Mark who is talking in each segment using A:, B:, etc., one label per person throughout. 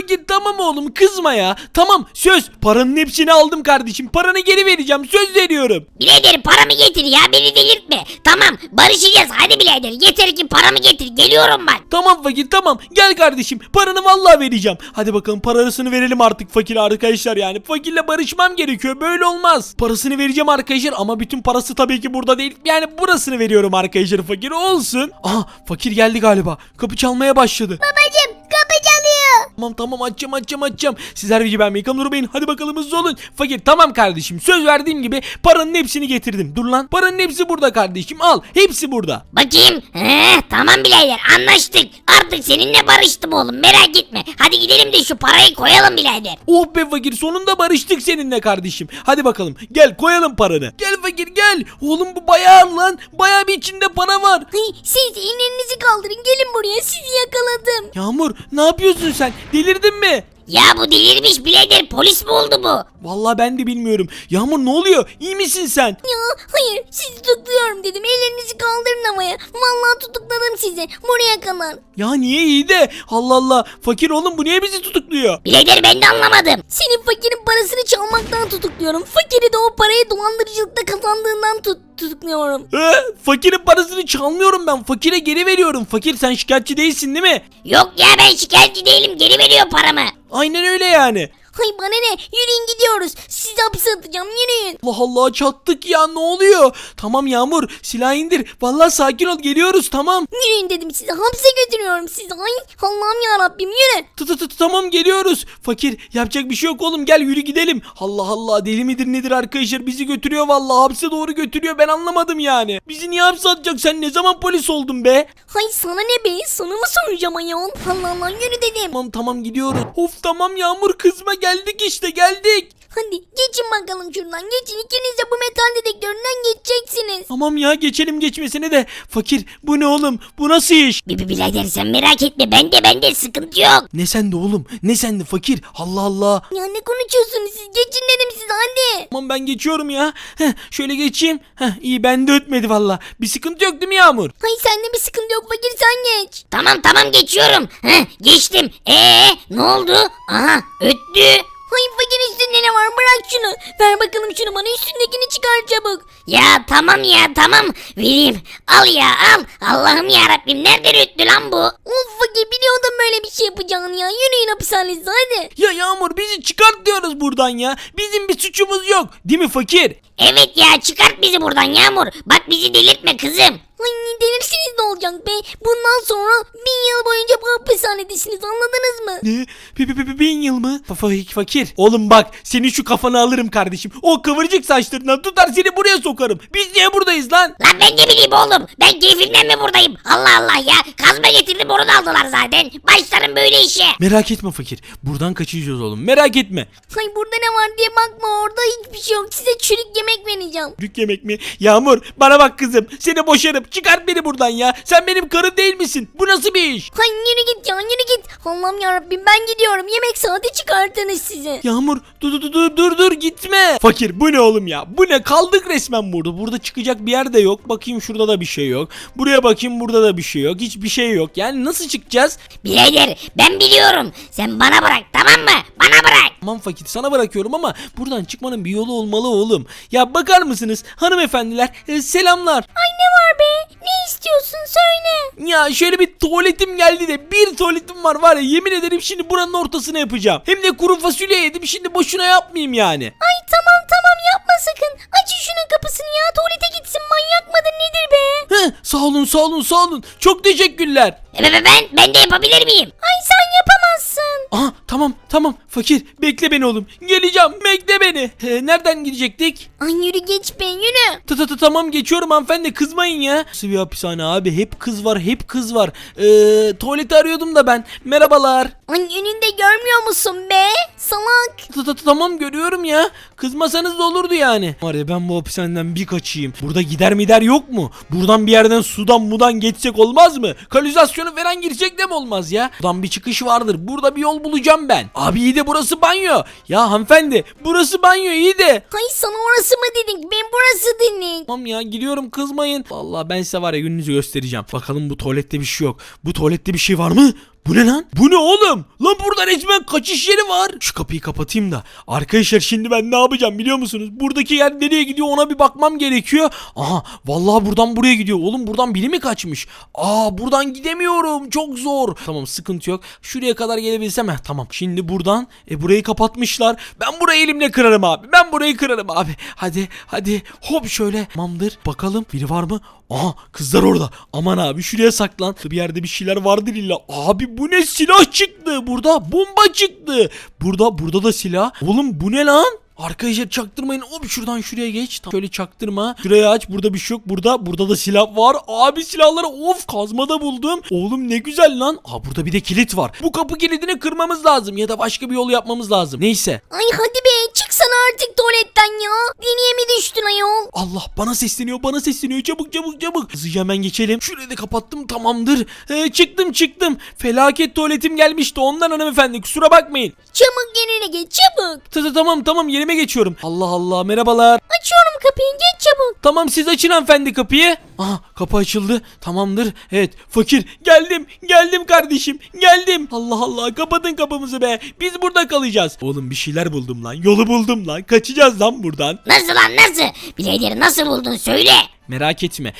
A: fakir tamam oğlum kızma ya. Tamam söz, paranın hepsini aldım kardeşim. Paranı geri vereceğim, söz veriyorum.
B: Birader paramı getir ya, beni delirtme. Tamam barışacağız, hadi birader yeter ki paramı getir, geliyorum ben.
A: Tamam fakir tamam, gel kardeşim, paranı vallahi vereceğim. Hadi bakalım parasını verelim artık fakir arkadaşlar yani. Fakirle barışmam gerekiyor, böyle olmaz. Parasını vereceğim arkadaşlar ama bütün parası tabii ki burada değil. Yani burasını veriyorum arkadaşlar, fakir olsun. Aha fakir geldi galiba, kapı çalmaya başladı.
B: Babacım kapı çalıyor.
A: Tamam açacağım. Sizler gibi ben Mekan durmayın. Hadi bakalım hızlı olun. Fakir tamam kardeşim, söz verdiğim gibi paranın hepsini getirdim. Dur lan, paranın hepsi burada kardeşim, al, hepsi burada.
B: Bakayım. Tamam birader anlaştık. Artık seninle barıştım oğlum, merak etme. Hadi gidelim de şu parayı koyalım birader.
A: Oh be fakir, sonunda barıştık seninle kardeşim. Hadi bakalım gel koyalım paranı. Gel fakir gel. Oğlum bu bayağı lan. Bayağı bir içinde para var.
B: Siz ellerinizi kaldırın, gelin buraya, sizi yakaladım.
A: Yağmur ne yapıyorsun sen? Delirdin mi?
B: Ya bu delirmiş birader, polis mi oldu bu?
A: Vallahi ben de bilmiyorum. Yağmur ne oluyor? İyi misin sen?
C: Ya hayır, sizi tutukluyorum dedim. Ellerinizi kaldırın havaya. Vallahi tutukladım sizi. Buraya kadar.
A: Ya niye iyi de? Allah Allah. Fakir oğlum bu niye bizi tutukluyor?
B: Birader ben de anlamadım.
C: Senin fakirin parasını çalmaktan tutukluyorum. Fakiri de o parayı dolandırıcılıkta kazandığından tutukluyorum.
A: Fakirin parasını çalmıyorum ben. Fakire geri veriyorum. Fakir sen şikayetçi değilsin değil mi?
B: Yok ya, ben şikayetçi değilim, geri veriyor paramı.
A: Aynen öyle yani.
C: Hay bana ne? Yürüyün gidiyoruz. Sizi hapse atacağım, yürüyün.
A: Allah Allah çattık ya, ne oluyor? Tamam Yağmur silah indir. Vallahi sakin ol, geliyoruz tamam.
C: Yürüyün dedim size. Hapse götürüyorum sizi. Ay Allah'ım yarabbim, yürü.
A: Tamam geliyoruz. Fakir yapacak bir şey yok oğlum, gel yürü gidelim. Allah Allah, deli midir nedir arkadaşlar, bizi götürüyor vallahi, hapse doğru götürüyor, ben anlamadım yani. Bizi niye hapse atacak, sen ne zaman polis oldun be?
C: Hay sana ne be? Sana mı soracağım ayol? Allah Allah, yürü dedim.
A: Tamam gidiyoruz. Of tamam Yağmur kızma, geldik işte geldik.
C: Hadi geçin bakalım şuradan, geçin. İkiniz de bu metal dedektöründen geçeceksiniz.
A: Tamam ya, geçelim geçmesine de. Fakir bu ne oğlum, bu nasıl iş?
B: Birader sen merak etme, bende sıkıntı yok.
A: Ne sende oğlum, ne sende fakir, Allah Allah.
C: Ya ne konuşuyorsunuz siz? Geçin dedim size, hadi.
A: Tamam ben geçiyorum ya. Şöyle geçeyim. İyi, bende ötmedi valla. Bir sıkıntı yok değil mi Yağmur?
C: Hay sende bir sıkıntı yok fakir, sen geç.
B: Tamam geçiyorum. Geçtim. Ne oldu? Aha öttü.
C: Hay fakir, üstünde ne var, bırak şunu. Ver bakalım şunu bana, üstündekini çıkar çabuk.
B: Ya tamam vereyim. Al ya al. Allah'ım yarabbim, nereden öttü lan bu?
C: Of fakir, biliyordum böyle bir şey yapacağını ya. Yürüyün hapishanenize hadi.
A: Ya Yağmur bizi çıkart diyoruz buradan ya. Bizim bir suçumuz yok. Değil mi fakir?
B: Evet ya, çıkart bizi buradan Yağmur. Bak bizi delirtme kızım.
C: Ay delirsiniz ne olacak be. Bundan sonra 1000 yıl boyunca bu hapishanedesiniz, anladınız mı?
A: Ne? 1000 yıl mı? Fakir. Oğlum bak, senin şu kafanı alırım kardeşim. O kıvırcık saçlarından tutar seni buraya sokarım. Biz niye buradayız lan?
B: Lan ben ne bileyim oğlum. Ben keyfimden mi buradayım? Allah Allah ya. Kazma getirdim, onu da aldılar zaten. Başlarım böyle işe.
A: Merak etme fakir. Buradan kaçacağız oğlum. Merak etme.
C: Hay burada ne var diye bakma, orada hiçbir şey yok. Size çürük yemek vereceğim.
A: Çürük yemek mi? Yağmur bana bak kızım. Seni boşarım. Çıkart beni buradan ya. Sen benim karım değil misin? Bu nasıl bir iş?
C: Hay yürü git ya, yürü git. Allah'ım yarabbim, ben gidiyorum. Yemek saati çıkartınız size.
A: Yağmur dur gitme. Fakir bu ne oğlum ya? Bu ne? Kaldık resmen burada. Burada çıkacak bir yer de yok. Bakayım şurada da bir şey yok. Buraya bakayım, burada da bir şey yok. Hiçbir şey yok. Yani nasıl çıkacağız?
B: Birader ben biliyorum. Sen bana bırak, tamam mı? Bana bırak.
A: Tamam fakir, sana bırakıyorum ama buradan çıkmanın bir yolu olmalı oğlum. Ya bakar mısınız hanımefendiler? Selamlar.
C: Ay ne var be? Ne istiyorsun, söyle.
A: Ya şöyle bir tuvaletim geldi de, bir tuvaletim var ya, yemin ederim şimdi buranın ortasına yapacağım. Hem de kuru fasulye yedim, şimdi boşuna yapmayayım yani.
C: Ay tamam yapma sakın. Açın şunun kapısını ya, tuvalete gitsin, manyak mıdır nedir be?
A: Sağ olun. Çok teşekkürler.
B: Ben de yapabilir miyim?
C: Ay sen yapamazsın.
A: Aha tamam fakir, bekle beni oğlum. Geleceğim, bekle beni. Nereden gidecektik?
C: Ay yürü geç be, yürü.
A: Tamam geçiyorum hanımefendi, kızmayın ya. Nasıl bir hapishane abi, hep kız var. Tuvaleti arıyordum da ben. Merhabalar.
C: Ay önünde görmüyor musun be? Salak.
A: Tamam görüyorum ya. Kızmasanız da olurdu yani. Var ya, ben bu hapishaneden bir kaçayım. Burada gider yok mu? Buradan bir yerden sudan geçsek olmaz mı? Kanalizasyonu falan girecek de mi olmaz ya? Buradan bir çıkış vardır. Burada bir yol bulacağım ben. Abi iyi de burası banyo. Ya hanımefendi, burası banyo iyi de.
C: Ay sana orası mı dedik? Ben burası dedik.
A: Tamam ya, gidiyorum, kızmayın. Vallahi ben size var ya, gününüzü göstereceğim. Bakalım bu tuvalette bir şey yok. Bu tuvalette bir şey var mı? Bu ne lan? Bu ne oğlum? Lan burada resmen kaçış yeri var. Şu kapıyı kapatayım da. Arkadaşlar şimdi ben ne yapacağım biliyor musunuz? Buradaki yer nereye gidiyor ona bir bakmam gerekiyor. Aha vallahi buradan buraya gidiyor. Oğlum buradan biri mi kaçmış? Buradan gidemiyorum. Çok zor. Tamam sıkıntı yok. Şuraya kadar gelebilsem. Tamam. Şimdi buradan burayı kapatmışlar. Ben burayı elimle kırarım abi. Ben burayı kırarım abi. Hadi. Hop şöyle. Tamamdır. Bakalım biri var mı? Aha kızlar orada. Aman abi şuraya saklan. Bir yerde bir şeyler vardır illa. Abi bu ne, silah çıktı. Burada bomba çıktı. Burada da silah. Oğlum bu ne lan? Arkadaşlar çaktırmayın. Hop şuradan şuraya geç. Şöyle çaktırma. Şurayı aç. Burada bir şey yok. Burada da silah var. Abi silahları kazmada buldum. Oğlum ne güzel lan. Burada bir de kilit var. Bu kapı kilidini kırmamız lazım. Ya da başka bir yol yapmamız lazım. Neyse.
C: Ay hadi be çıksana artık tuvaletten ya. Deliye mi düştün ayol?
A: Allah bana sesleniyor. Çabuk. Hızlıca hemen geçelim. Şurayı da kapattım, tamamdır. Çıktım. Felaket tuvaletim gelmişti ondan hanımefendi, kusura bakmayın.
C: Çabuk yerine geç çabuk.
A: Tamam yerime geçiyorum. Allah merhabalar.
C: Açıyorum kapıyı geç çabuk.
A: Tamam siz açın hanımefendi kapıyı. Aha kapı açıldı, tamamdır. Evet fakir geldim kardeşim geldim. Allah kapatın kapımızı be, biz burada kalacağız. Oğlum bir şeyler buldum lan, yolu buldum lan, kaçacağız lan buradan.
B: Nasıl lan nasıl? Birader nasıl buldun söyle.
A: Merak etme.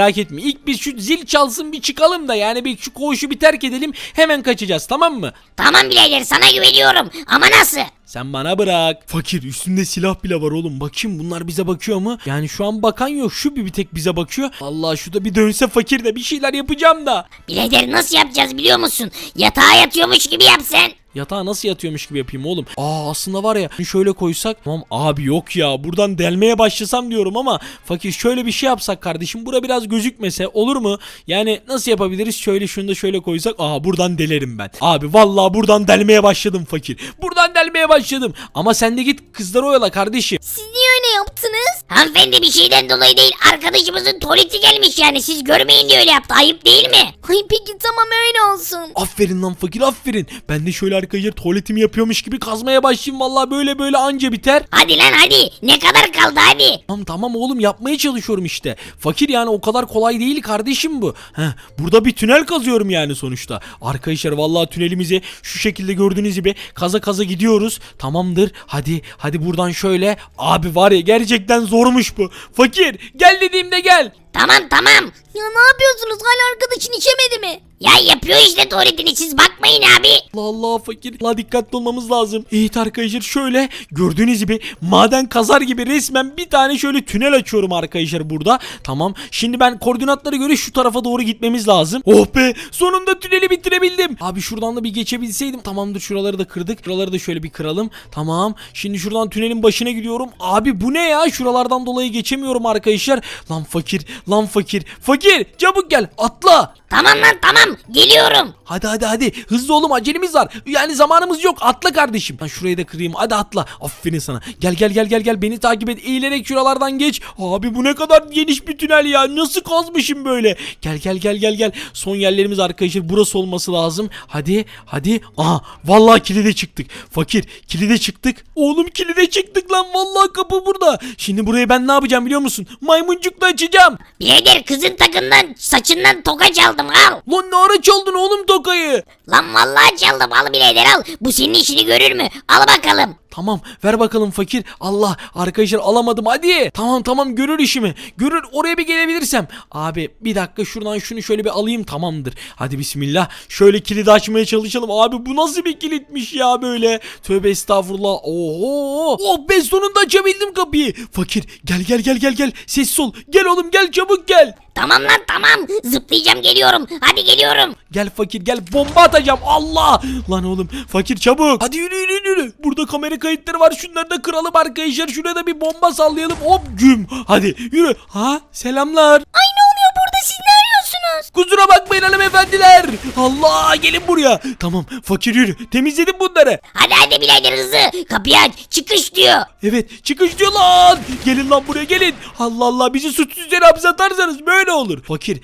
A: İlk bir şu zil çalsın bir çıkalım da, yani bir şu koğuşu bir terk edelim, hemen kaçacağız, tamam mı?
B: Tamam birader sana güveniyorum ama nasıl?
A: Sen bana bırak. Fakir üstünde silah bile var oğlum. Bakayım bunlar bize bakıyor mu? Yani şu an bakan yok. Şu bir tek bize bakıyor. Allah şu da bir dönse fakir de bir şeyler yapacağım da.
B: Birader nasıl yapacağız biliyor musun? Yatağa yatıyormuş gibi yap sen.
A: Yatağa nasıl yatıyormuş gibi yapayım oğlum? Aslında var ya şöyle koysak. Tamam abi yok ya, buradan delmeye başlasam diyorum ama fakir şöyle bir şey yapsak kardeşim. Bura biraz gözükmese olur mu? Yani nasıl yapabiliriz? Şöyle şunu da şöyle koysak. Buradan delerim ben. Abi vallahi buradan delmeye başladım fakir. Buradan delmeye başladım. Ama sen de git kızları oyala kardeşim.
C: Siz niye öyle yaptınız?
B: Hanımefendi bir şeyden dolayı değil, arkadaşımızın tuvaleti gelmiş, yani siz görmeyin diye öyle yaptı, ayıp değil mi?
C: Ay peki tamam öyle olsun.
A: Aferin lan fakir, aferin. Ben de şöyle arkadaşlar tuvaletimi yapıyormuş gibi kazmaya başlayayım. Vallahi böyle anca biter.
B: Hadi lan hadi, ne kadar kaldı hadi.
A: Tamam oğlum, yapmaya çalışıyorum işte. Fakir yani o kadar kolay değil kardeşim bu. Burada bir tünel kazıyorum yani sonuçta. Arkadaşlar vallahi tünelimizi şu şekilde gördüğünüz gibi kaza gidiyoruz. Tamamdır. Hadi buradan şöyle. Abi var ya gerçekten zormuş bu. Fakir gel dediğimde gel.
B: Tamam.
C: Ya ne yapıyorsunuz? Hala arkadaşın içemedi mi?
B: Ya yapıyor işte tuvaletini, siz bakmayın abi.
A: Allah fakir. Allah dikkatli olmamız lazım. Evet arkadaşlar şöyle gördüğünüz gibi maden kazar gibi resmen bir tane şöyle tünel açıyorum arkadaşlar burada. Tamam. Şimdi ben koordinatlara göre şu tarafa doğru gitmemiz lazım. Oh be, sonunda tüneli bitirebildim. Abi şuradan da bir geçebilseydim. Tamamdır, şuraları da kırdık. Şuraları da şöyle bir kıralım. Tamam. Şimdi şuradan tünelin başına gidiyorum. Abi bu ne ya? Şuralardan dolayı geçemiyorum arkadaşlar. Lan fakir. Fakir çabuk gel, atla.
B: Tamam lan tamam, geliyorum.
A: Hadi hızlı oğlum, acelemiz var. Yani zamanımız yok, atla kardeşim. Ben şurayı da kırayım, hadi atla. Aferin sana. Gel beni takip et, eğilerek şuralardan geç. Abi bu ne kadar geniş bir tünel ya, nasıl kazmışım böyle. Gel. Son yerlerimiz arkadaşlar burası olması lazım. Hadi. Aha vallahi kilide çıktık. Fakir kilide çıktık. Oğlum kilide çıktık lan, vallahi kapı burada. Şimdi burayı ben ne yapacağım biliyor musun? Maymuncukla açacağım.
B: Birader kızın takından saçından toka çaldım, al.
A: Lan ne ara çaldın oğlum tokayı?
B: Lan vallahi çaldım, al birader al. Bu senin işini görür mü? Al bakalım.
A: Tamam ver bakalım fakir. Allah arkadaşlar alamadım, hadi. Tamam görür işimi. Görür, oraya bir gelebilirsem. Abi bir dakika şuradan şunu şöyle bir alayım, tamamdır. Hadi bismillah. Şöyle kilidi açmaya çalışalım. Abi bu nasıl bir kilitmiş ya böyle. Tövbe estağfurullah. Oho. Oh be, sonunda açabildim kapıyı. Fakir gel. Sessiz ol. Gel oğlum gel, çabuk gel.
B: Tamam lan tamam, zıplayacağım, geliyorum. Hadi geliyorum.
A: Gel fakir gel, bomba atacağım. Allah. Lan oğlum fakir çabuk. Hadi yürü. Burada kamera kayıtları var, şunları da kıralım arkadaşlar. Şuraya da bir bomba sallayalım. Hop güm. Hadi yürü. Selamlar.
C: Ay ne oluyor burada, siz ne arıyorsunuz?
A: Kusura bakmayın hanımefendiler. Allah gelin buraya. Tamam fakir yürü, temizledim bunları.
B: Hadi birader hızlı, kapıyı aç, çıkış diyor.
A: Evet çıkış diyor lan. Gelin lan buraya gelin. Allah bizi suçsuz yere hapse atarsanız böyle olur. Fakir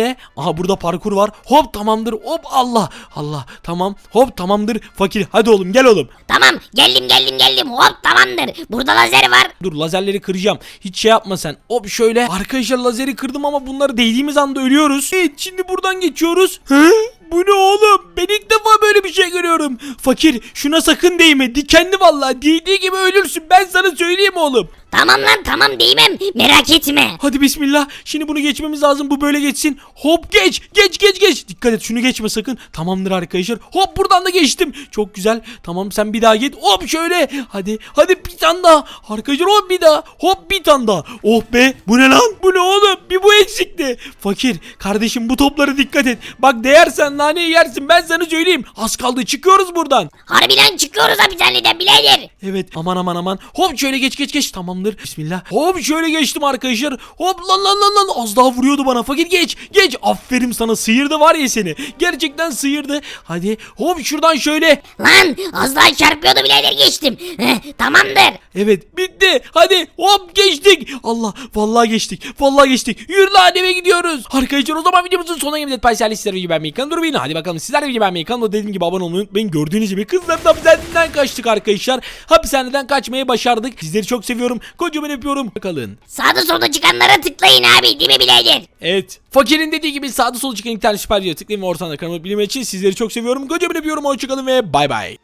A: aha burada parkur var. Hop tamamdır, hop Allah. Tamam hop tamamdır. Fakir hadi oğlum gel oğlum.
B: Tamam geldim, hop tamamdır. Burada lazer var.
A: Dur lazerleri kıracağım. Hiç şey yapma sen. Hop şöyle. Arkadaşlar lazeri kırdım ama bunları değdiğimiz anda ölüyoruz. Evet şimdi buradan geçiyoruz. Bu ne oğlum? Ben ilk defa böyle bir şey görüyorum. Fakir şuna sakın değme. Dikenli vallahi. Değdiği gibi ölürsün. Ben sana söyleyeyim oğlum.
B: Tamam lan tamam değmem merak etme.
A: Hadi bismillah. Şimdi bunu geçmemiz lazım. Bu böyle geçsin. Hop geç. Geç. Dikkat et şunu geçme sakın. Tamamdır arkadaşlar. Hop buradan da geçtim. Çok güzel. Tamam sen bir daha git. Hop şöyle. Hadi bir tane daha. Arkadaşlar hop bir daha. Hop bir tane daha. Oh be. Bu ne lan? Bu ne oğlum? Bir bu eksikti. Fakir kardeşim bu toplara dikkat et. Bak değersen naneyi yersin. Ben sana söyleyeyim. Az kaldı çıkıyoruz buradan.
B: Harbiden çıkıyoruz hapishaneden birader.
A: Evet aman. Hop şöyle geç. Tamamdır. Bismillah. Hop şöyle geçtim arkadaşlar. Hop lan. Az daha vuruyordu bana. Fakir geç. Aferin sana sıyırdı var ya seni. Gerçekten sıyırdı. Hadi hop şuradan şöyle.
B: Lan az daha çarpıyordu birader geçtim. Tamamdır.
A: Evet bitti. Hadi hop geçtik. Allah vallahi geçtik. Yürü lan eve gidiyoruz. Arkadaşlar o zaman videomuzun sonuna geldik. Paylaşın sizlere videoyu beğenmeyi durmayın. Hadi bakalım sizler de videoyu beğenmeyi kanalıma dediğim gibi abone olmayı unutmayın. Gördüğünüz gibi kızların hapishaneden kaçtık arkadaşlar. Hapishaneden kaçmayı başardık. Sizleri çok seviyorum. Kocaman öpüyorum. Kalın.
B: Sağda solda çıkanlara tıklayın abi değil mi birader?
A: Evet. Fakirin dediği gibi sağda solda çıkan iki tane süper video tıklayın ve ortadan kanalıma bildirim için sizleri çok seviyorum. Kocaman öpüyorum. Hoşçakalın ve bay bay.